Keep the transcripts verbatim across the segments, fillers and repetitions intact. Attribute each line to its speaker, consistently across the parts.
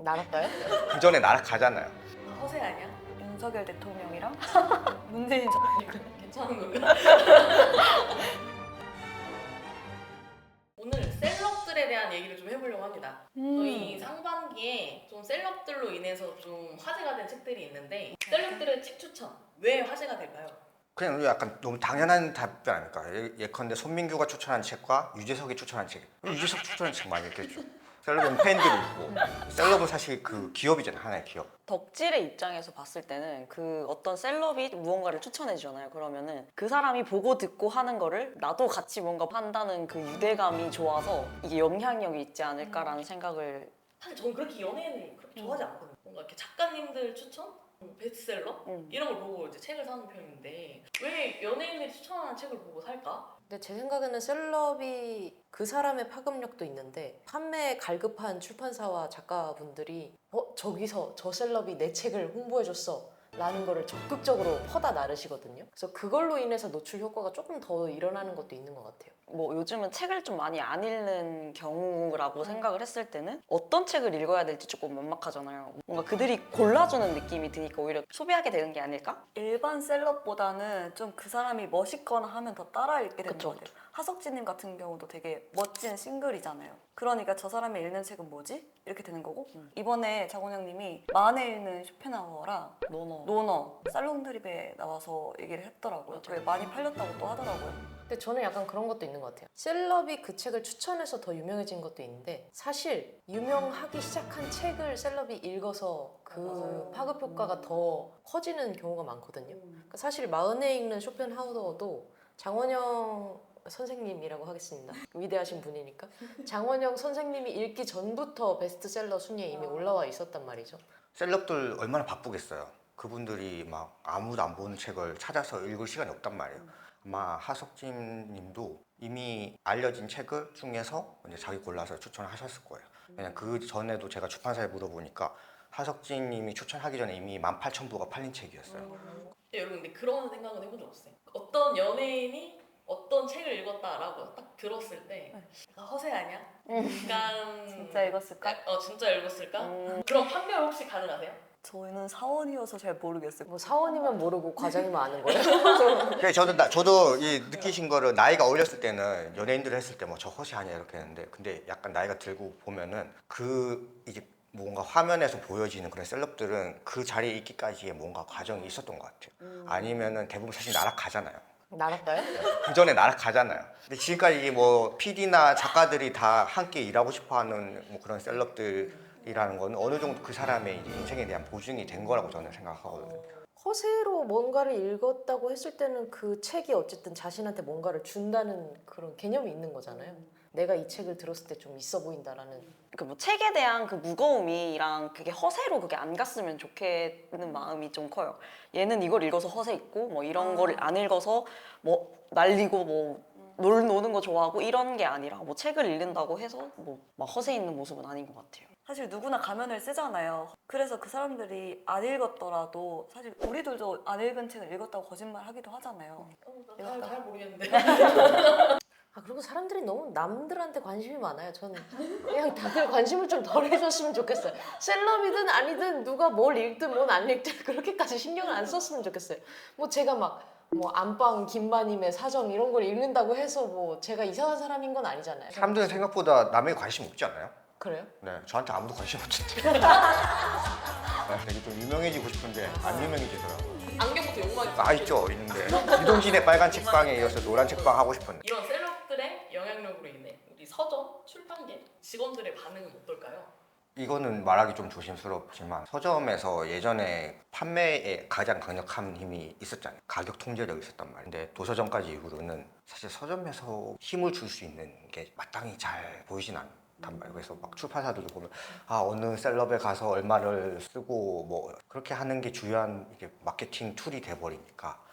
Speaker 1: 날았어요?
Speaker 2: 그 전에 날아가잖아요.
Speaker 3: 허세 아니야?
Speaker 4: 윤석열 대통령이랑 문재인 전
Speaker 3: 괜찮은 건가? 오늘 셀럽들에 대한 얘기를 좀 해보려고 합니다. 저희 상반기에 좀 셀럽들로 인해서 좀 화제가 된 책들이 있는데 셀럽들의 책 추천 왜 화제가 될까요?
Speaker 2: 그냥 약간 너무 당연한 답변 아닐까. 예- 예컨대 손민규가 추천한 책과 유재석이 추천한 책. 유재석 추천한 책 많이 읽겠죠. 셀럽은 팬들이 있고, 셀럽은 사실 그 기업이잖아요. 하나의 기업.
Speaker 1: 덕질의 입장에서 봤을 때는 그 어떤 셀럽이 무언가를 추천해 주잖아요. 그러면은 그 사람이 보고 듣고 하는 거를 나도 같이 뭔가 한다는 그 유대감이 좋아서 이게 영향력이 있지 않을까라는 생각을.
Speaker 3: 사실 저는 그렇게 연예인을 그렇게 좋아하지 않거든요. 뭔가 이렇게 작가님들 추천? 베스트셀러?
Speaker 1: 음.
Speaker 3: 이런 걸 보고 이제 책을 사는 편인데 왜 연예인들이 추천하는 책을 보고 살까?
Speaker 5: 근데 제 생각에는 셀럽이 그 사람의 파급력도 있는데 판매에 갈급한 출판사와 작가분들이 어? 저기서 저 셀럽이 내 책을 홍보해줬어 라는 거를 적극적으로 퍼다 나르시거든요. 그래서 그걸로 인해서 노출 효과가 조금 더 일어나는 것도 있는 것 같아요.
Speaker 1: 뭐 요즘은 책을 좀 많이 안 읽는 경우라고 생각을 했을 때는 어떤 책을 읽어야 될지 조금 막막하잖아요. 뭔가 그들이 골라주는 느낌이 드니까 오히려 소비하게 되는 게 아닐까?
Speaker 4: 일반 셀럽보다는 좀 그 사람이 멋있거나 하면 더 따라 읽게 되는
Speaker 1: 그쵸,
Speaker 4: 것 같아요. 하석진님 같은 경우도 되게 멋진 싱글이잖아요. 그러니까 저 사람이 읽는 책은 뭐지? 이렇게 되는 거고
Speaker 1: 음.
Speaker 4: 이번에 장원영님이 만에 읽는 쇼펜하우어랑
Speaker 1: 노노.
Speaker 4: 노너 살롱 드립에 나와서 얘기를 했더라고요. 그게 많이 팔렸다고 또 하더라고요.
Speaker 5: 근데 저는 약간 그런 것도 있는 것 같아요. 셀럽이 그 책을 추천해서 더 유명해진 것도 있는데 사실 유명하기 시작한 책을 셀럽이 읽어서 그
Speaker 3: 맞아요.
Speaker 5: 파급 효과가 더 커지는 경우가 많거든요. 그러니까 사실 마흔에 읽는 쇼펜하우어도 장원영 선생님이라고 하겠습니다. 위대하신 분이니까. 장원영 선생님이 읽기 전부터 베스트셀러 순위에 이미 올라와 있었단 말이죠.
Speaker 2: 셀럽들 얼마나 바쁘겠어요. 그분들이 막 아무도 안 보는 책을 찾아서 읽을 시간이 없단 말이에요. 아마 하석진 님도 이미 알려진 책을 중에서 이제 자기 골라서 추천하셨을 거예요. 그냥 그 전에도 제가 출판사에 물어보니까 하석진 님이 추천하기 전에 이미 만 팔천 부가 팔린 책이었어요.
Speaker 3: 근데 여러분 근데 그런 생각은 해본 적 없어요. 어떤 연예인이 어떤 책을 읽었다라고 딱 들었을 때 약간 허세 아니야? 약간
Speaker 4: 진짜 읽었을까?
Speaker 3: 어 진짜 읽었을까?
Speaker 1: 음.
Speaker 3: 그럼 판별 혹시 가능하세요?
Speaker 4: 저희는 사원이어서 잘 모르겠어요.
Speaker 5: 뭐 사원이면 모르고 과장이면 아는 거예요?
Speaker 2: 그래 저도 나, 저도 이 느끼신 거를 나이가 어렸을 때는 연예인들 했을 때 뭐 저 허세 아니야 이렇게 했는데 근데 약간 나이가 들고 보면은 그 이제 뭔가 화면에서 보여지는 그런 셀럽들은 그 자리에 있기까지의 뭔가 과정이 있었던 것 같아요. 아니면은 대부분 사실 날아가잖아요.
Speaker 5: 날았어요?
Speaker 2: 그 전에 날아가잖아요. 근데 지금까지 뭐 피디나 작가들이 다 함께 일하고 싶어하는 뭐 그런 셀럽들이라는 건 어느 정도 그 사람의 이제 인생에 대한 보증이 된 거라고 저는 생각하거든요.
Speaker 5: 허세로 뭔가를 읽었다고 했을 때는 그 책이 어쨌든 자신한테 뭔가를 준다는 그런 개념이 있는 거잖아요. 내가 이 책을 들었을 때 좀 있어 보인다라는.
Speaker 1: 그 뭐 책에 대한 그 무거움이랑 그게 허세로 그게 안 갔으면 좋겠는 마음이 좀 커요. 얘는 이걸 읽어서 허세 있고 뭐 이런 거를 안 읽어서 뭐 날리고 뭐 놀, 노는 거 좋아하고 이런 게 아니라 뭐 책을 읽는다고 해서 뭐 막 허세 있는 모습은 아닌 것 같아요.
Speaker 4: 사실 누구나 가면을 쓰잖아요. 그래서 그 사람들이 안 읽었더라도 사실 우리들도 안 읽은 책을 읽었다고 거짓말 하기도 하잖아요.
Speaker 3: 어, 나 잘, 잘 모르겠는데.
Speaker 5: 아 그리고 사람들이 너무 남들한테 관심이 많아요. 저는 그냥 다들 관심을 좀 덜 해줬으면 좋겠어요. 셀럽이든 아니든 누가 뭘 읽든 뭘 안 읽든 그렇게까지 신경을 안 썼으면 좋겠어요. 뭐 제가 막 뭐 안방 김마님의 사정 이런 걸 읽는다고 해서 뭐 제가 이상한 사람인 건 아니잖아요.
Speaker 2: 사람들은 생각보다 남에게 관심 없지 않나요?
Speaker 5: 그래요?
Speaker 2: 네, 저한테 아무도 관심 없는데. 네, 되게 좀 유명해지고 싶은데 안 유명해지더라고요.
Speaker 3: 안경부터 욕망이
Speaker 2: 아 있죠, 있는데 이동진의 빨간 책방에 이어서 노란 책방 하고 싶은데
Speaker 3: 이런 셀럽들의 영향력으로 인해 우리 서점, 출판계 직원들의 반응은 어떨까요?
Speaker 2: 이거는 말하기 좀 조심스럽지만 서점에서 예전에 판매에 가장 강력한 힘이 있었잖아요. 가격 통제력이 있었단 말이에요. 근데 도서점까지 이후로는 사실 서점에서 힘을 줄 수 있는 게 마땅히 잘 보이진 않단 말이에요. 그래서 막 출판사들도 보면 아 어느 셀럽에 가서 얼마를 쓰고 뭐 그렇게 하는 게 주요한 이게 마케팅 툴이 돼버리니까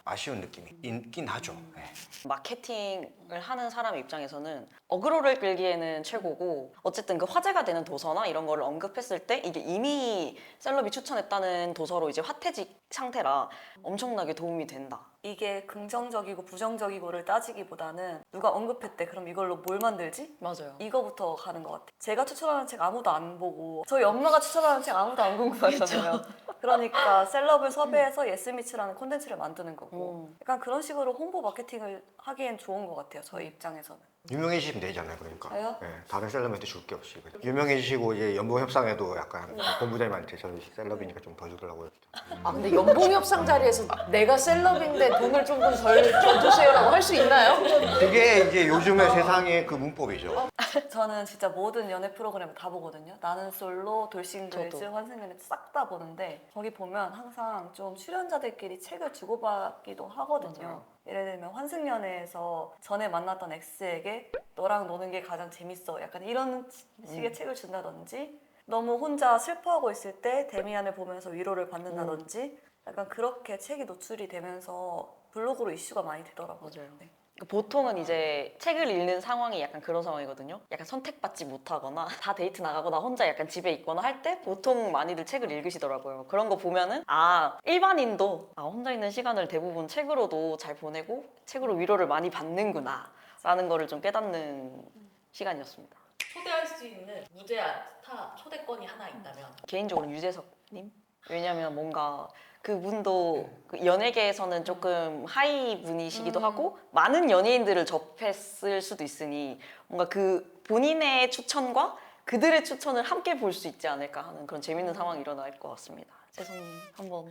Speaker 2: 아쉬운 느낌이 있긴 하죠. 네.
Speaker 1: 마케팅을 하는 사람 입장에서는 어그로를 끌기에는 최고고 어쨌든 그 화제가 되는 도서나 이런 거를 언급했을 때 이게 이미 셀럽이 추천했다는 도서로 이제 화태직 상태라 엄청나게 도움이 된다.
Speaker 4: 이게 긍정적이고 부정적이고를 따지기보다는 누가 언급했대 그럼 이걸로 뭘 만들지?
Speaker 1: 맞아요.
Speaker 4: 이거부터 가는 것 같아요. 제가 추천하는 책 아무도 안 보고 저희 엄마가 추천하는 책 아무도 안 궁금하잖아요. 그러니까 셀럽을 섭외해서 예스미츠라는 콘텐츠를 만드는 거고
Speaker 1: 음.
Speaker 4: 약간 그런 식으로 홍보 마케팅을 하기엔 좋은 것 같아요. 저희 입장에서는.
Speaker 2: 유명해지시면 되잖아요, 그러니까.
Speaker 4: 저요?
Speaker 2: 네, 다른 셀럽한테 줄 게 없이. 유명해지시고 이제 연봉 협상에도 약간 본부장님한테 저희 셀럽이니까 좀 더 주더라고요.
Speaker 5: 아 근데 연봉 협상 자리에서 내가 셀럽인데 돈을 조금 덜 줘주세요라고 할 수 있나요?
Speaker 2: 그게 이제 요즘의 세상의 그 문법이죠.
Speaker 4: 저는 진짜 모든 연애 프로그램을 다 보거든요. 나는 솔로, 돌싱글즈,
Speaker 1: 저도.
Speaker 4: 환승연애 싹 다 보는데 거기 보면 항상 좀 출연자들끼리 책을 주고받기도 하거든요.
Speaker 1: 맞아요.
Speaker 4: 예를 들면 환승연애에서 전에 만났던 X에게 너랑 노는 게 가장 재밌어. 약간 이런 식의
Speaker 1: 음.
Speaker 4: 책을 준다든지 너무 혼자 슬퍼하고 있을 때 데미안을 보면서 위로를 받는다든지 약간 그렇게 책이 노출이 되면서 블로그로 이슈가 많이 되더라고요.
Speaker 1: 맞아요.
Speaker 4: 네.
Speaker 1: 보통은 이제 책을 읽는 상황이 약간 그런 상황이거든요. 약간 선택받지 못하거나 다 데이트 나가거나 혼자 약간 집에 있거나 할 때 보통 많이들 책을 읽으시더라고요. 그런 거 보면은 아 일반인도 아, 혼자 있는 시간을 대부분 책으로도 잘 보내고 책으로 위로를 많이 받는구나 라는 거를 좀 깨닫는 시간이었습니다.
Speaker 3: 초대할 수 있는 무제한 스타 초대권이 하나 있다면
Speaker 1: 개인적으로 유재석님? 왜냐면 뭔가 그분도 그 연예계에서는 조금 하이 분이시기도
Speaker 4: 음.
Speaker 1: 하고 많은 연예인들을 접했을 수도 있으니 뭔가 그 본인의 추천과 그들의 추천을 함께 볼 수 있지 않을까 하는 그런 재밌는 상황이 일어날 것 같습니다. 재성님 한번.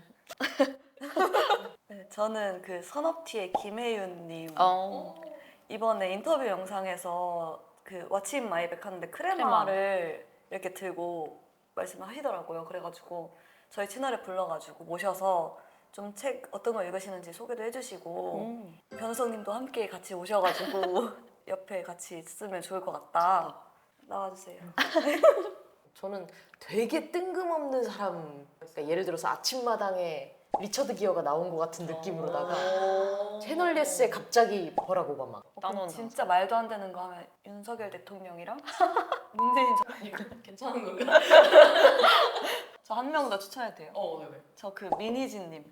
Speaker 4: 네, 저는 그 선업티의 김혜윤님
Speaker 1: 어.
Speaker 4: 이번에 인터뷰 영상에서 그 왓츠 인 마이백 하는데 크레마를 이렇게 들고 말씀을 하시더라고요. 그래가지고 저희 채널에 불러가지고 모셔서 좀 책 어떤 거 읽으시는지 소개도 해주시고
Speaker 1: 음.
Speaker 4: 변호사님도 함께 같이 오셔가지고 옆에 같이 있으면 좋을 것 같다. 나와주세요.
Speaker 5: 저는 되게 뜬금없는 사람, 그러니까 예를 들어서 아침마당에 리처드 기어가 나온 것 같은 느낌으로다가 채널 예스에 갑자기 버락 오바마.
Speaker 4: 어, 그럼
Speaker 1: 따놓은
Speaker 4: 진짜 말도 안 되는 거 하면 윤석열 대통령이랑 문재인 전
Speaker 3: 괜찮은 건가?
Speaker 4: 저한 명 더 추천해도 돼요.
Speaker 3: 어, 왜 왜?
Speaker 4: 저 그 미니진님.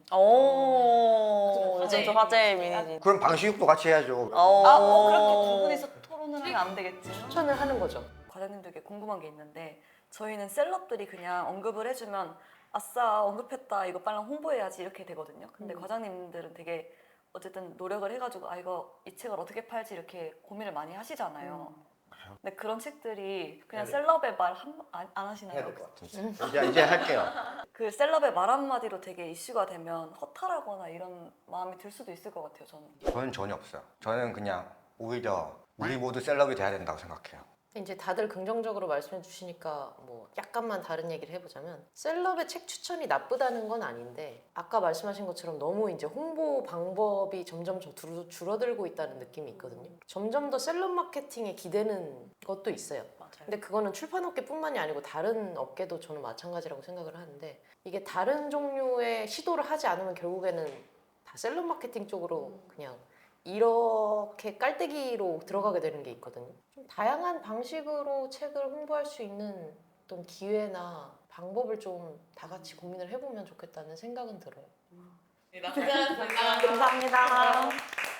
Speaker 1: 오. 요즘
Speaker 3: 화제의
Speaker 1: 좀 화제의
Speaker 3: 미니지.
Speaker 1: 미니지.
Speaker 2: 그럼 방식육도 같이 해야죠.
Speaker 1: 어.
Speaker 4: 아, 어, 그렇게 두 분이서 토론을 하면 안 되겠지.
Speaker 5: 추천을 하는 거죠.
Speaker 4: 과장님들께 궁금한 게 있는데 저희는 셀럽들이 그냥 언급을 해주면 아싸 언급했다 이거 빨리 홍보해야지 이렇게 되거든요. 근데
Speaker 5: 음.
Speaker 4: 과장님들은 되게 어쨌든 노력을 해가지고 아 이거 이 책을 어떻게 팔지 이렇게 고민을 많이 하시잖아요. 근데 그런 책들이 그냥
Speaker 2: 해야 돼.
Speaker 4: 셀럽의 말 안 안 하시나요?
Speaker 2: 해야 될 것 같은데. 이제 이제 할게요.
Speaker 4: 그 셀럽의 말 한마디로 되게 이슈가 되면 허탈하거나 이런 마음이 들 수도 있을 것 같아요. 저는.
Speaker 2: 저는 전혀 없어요. 저는 그냥 오히려 우리 모두 셀럽이 돼야 된다고 생각해요.
Speaker 5: 이제 다들 긍정적으로 말씀해 주시니까 뭐 약간만 다른 얘기를 해보자면 셀럽의 책 추천이 나쁘다는 건 아닌데 아까 말씀하신 것처럼 너무 이제 홍보 방법이 점점 좀 줄- 줄어들고 있다는 느낌이 있거든요. 점점 더 셀럽 마케팅에 기대는 것도 있어요.
Speaker 1: 맞아요.
Speaker 5: 근데 그거는 출판업계뿐만이 아니고 다른 업계도 저는 마찬가지라고 생각을 하는데 이게 다른 종류의 시도를 하지 않으면 결국에는 다 셀럽 마케팅 쪽으로 그냥 이렇게 깔때기로 들어가게 되는 게 있거든요. 좀 다양한 방식으로 책을 홍보할 수 있는 어떤 기회나 방법을 좀 다 같이 고민을 해보면 좋겠다는 생각은 들어요.
Speaker 3: 네, 나쁘지 않습니다.
Speaker 1: 감사합니다.